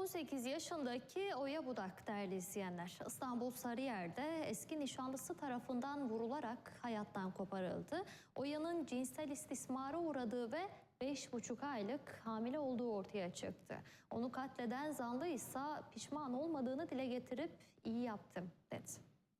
18 yaşındaki Oya Budak değerli izleyenler, İstanbul Sarıyer'de eski nişanlısı tarafından vurularak hayattan koparıldı. Oya'nın cinsel istismara uğradığı ve 5,5 aylık hamile olduğu ortaya çıktı. Onu katleden zanlı ise pişman olmadığını dile getirip iyi yaptım dedi.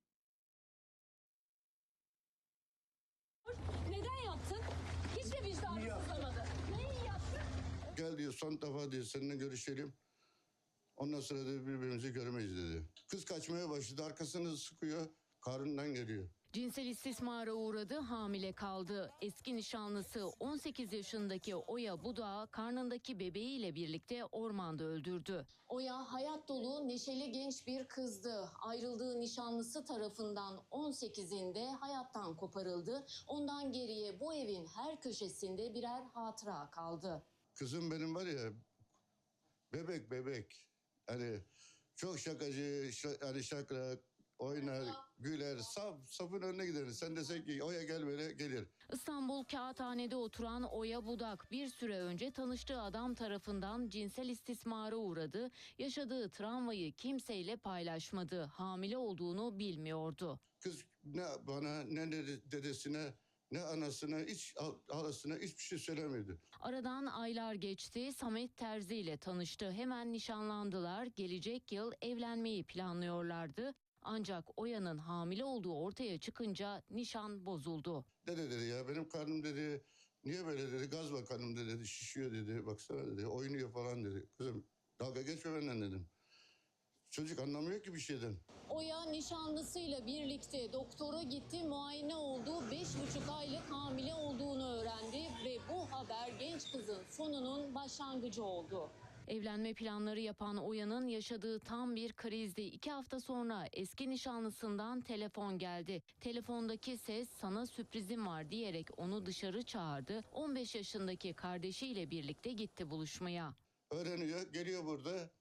Neden yaptın? Hiç mi vicdanı sızlamadı? Neyi yaptın? Gel diyor, son defa diyor seninle görüşelim. Ondan sonra da birbirimizi görmeyiz dedi. Kız kaçmaya başladı, arkasını sıkıyor, karnından geliyor. Cinsel istismara uğradı, hamile kaldı. Eski nişanlısı 18 yaşındaki Oya Budak'ı karnındaki bebeğiyle birlikte ormanda öldürdü. Oya hayat dolu, neşeli genç bir kızdı. Ayrıldığı nişanlısı tarafından 18'inde hayattan koparıldı. Ondan geriye bu evin her köşesinde birer hatıra kaldı. Kızım benim var ya, bebek. Hani çok şakacı, hani şakrak, oynar, güler, safın önüne gider. Sen desen ki Oya gel böyle, gelir. İstanbul Kağıthane'de oturan Oya Budak bir süre önce tanıştığı adam tarafından cinsel istismara uğradı. Yaşadığı travmayı kimseyle paylaşmadı. Hamile olduğunu bilmiyordu. Kız ne bana, ne dedesine, ne anasına, hiç halasına hiçbir şey söylemedi. Aradan aylar geçti. Samet Terzi ile tanıştı. Hemen nişanlandılar. Gelecek yıl evlenmeyi planlıyorlardı. Ancak Oya'nın hamile olduğu ortaya çıkınca nişan bozuldu. Dede dedi ya, benim karnım dedi, niye böyle dedi, gaz var karnımda dedi, şişiyor dedi, baksana dedi, oynuyor falan dedi. Kızım dalga geçme benden dedim. Çocuk anlamıyor ki bir şeyden. Oya nişanlısıyla birlikte doktora gitti, muayene oldu. 5,5 aylık hamile olduğunu öğrendi ve bu haber genç kızın sonunun başlangıcı oldu. Evlenme planları yapan Oya'nın yaşadığı tam bir krizdi. 2 hafta sonra eski nişanlısından telefon geldi. Telefondaki ses sana sürprizim var diyerek onu dışarı çağırdı. 15 yaşındaki kardeşiyle birlikte gitti buluşmaya. Öğreniyor, geliyor burada.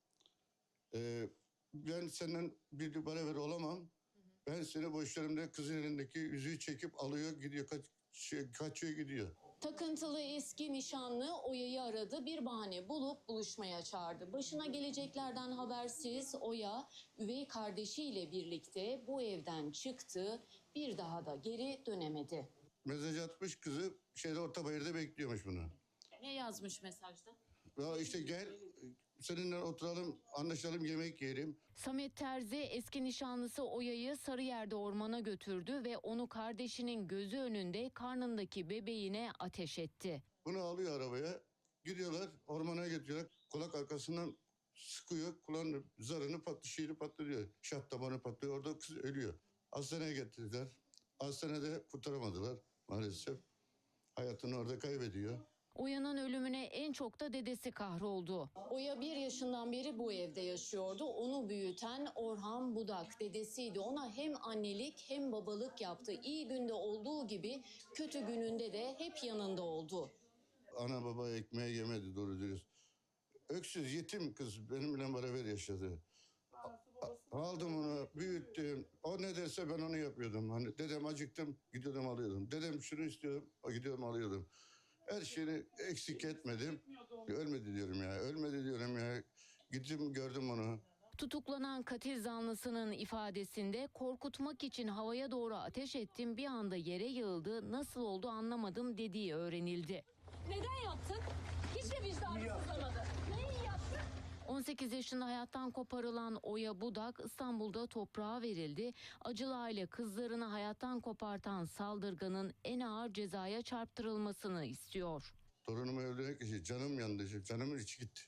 Ben senden bir beraber olamam. Ben seni boşlarım diye kızın elindeki yüzüğü çekip alıyor, gidiyor, kaçıyor gidiyor. Takıntılı eski nişanlı Oya'yı aradı, bir bahane bulup buluşmaya çağırdı. Başına geleceklerden habersiz Oya, üvey kardeşiyle birlikte bu evden çıktı, bir daha da geri dönemedi. Mesaj atmış, kızı Ortabayır'da bekliyormuş bunu. Ne yazmış mesajda? Ya işte gel, seninle oturalım, anlaşalım, yemek yiyelim. Samet Terzi eski nişanlısı Oya'yı Sarıyer'de ormana götürdü ve onu kardeşinin gözü önünde karnındaki bebeğine ateş etti. Bunu alıyor arabaya, gidiyorlar, ormana getiriyorlar. Kulak arkasından sıkıyor, kulağın zarını şiiri patlıyor. Şah damarı patlıyor, orada kız ölüyor. Hastaneye getirdiler. Hastanede kurtaramadılar maalesef. Hayatını orada kaybediyor. Oya'nın ölümüne en çok da dedesi kahroldu. Oya 1 yaşından beri bu evde yaşıyordu. Onu büyüten Orhan Budak dedesiydi. Ona hem annelik hem babalık yaptı. İyi günde olduğu gibi kötü gününde de hep yanında oldu. Ana baba ekmeği yemedi doğru dürüst. Öksüz, yetim kız benimle beraber yaşadı. Aldım onu, büyüttüm. O ne derse ben onu yapıyordum. Hani dedem acıktım, gidiyordum alıyordum. Dedem şunu istiyordum, gidiyordum alıyordum. Her şeyini eksik etmedim. Ölmedi diyorum ya, ölmedi diyorum ya. Gittim gördüm onu. Tutuklanan katil zanlısının ifadesinde korkutmak için havaya doğru ateş ettim, bir anda yere yığıldı, nasıl oldu anlamadım dediği öğrenildi. Neden yaptın? Hiç mi vicdanı sızlamadı? Neyi yaptın? 18 yaşında hayattan koparılan Oya Budak İstanbul'da toprağa verildi. Acılı aile kızlarını hayattan kopartan saldırganın en ağır cezaya çarptırılmasını istiyor. Torunumu öldüren kişi, canım yandı, canımın içi gitti.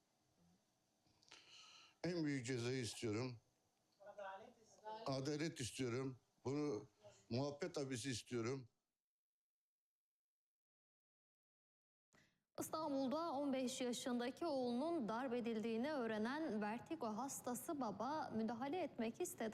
En büyük cezayı istiyorum. Adalet istiyorum. Bunu muhabbet hapisi istiyorum. İstanbul'da 15 yaşındaki oğlunun darp edildiğini öğrenen vertigo hastası baba müdahale etmek istedi.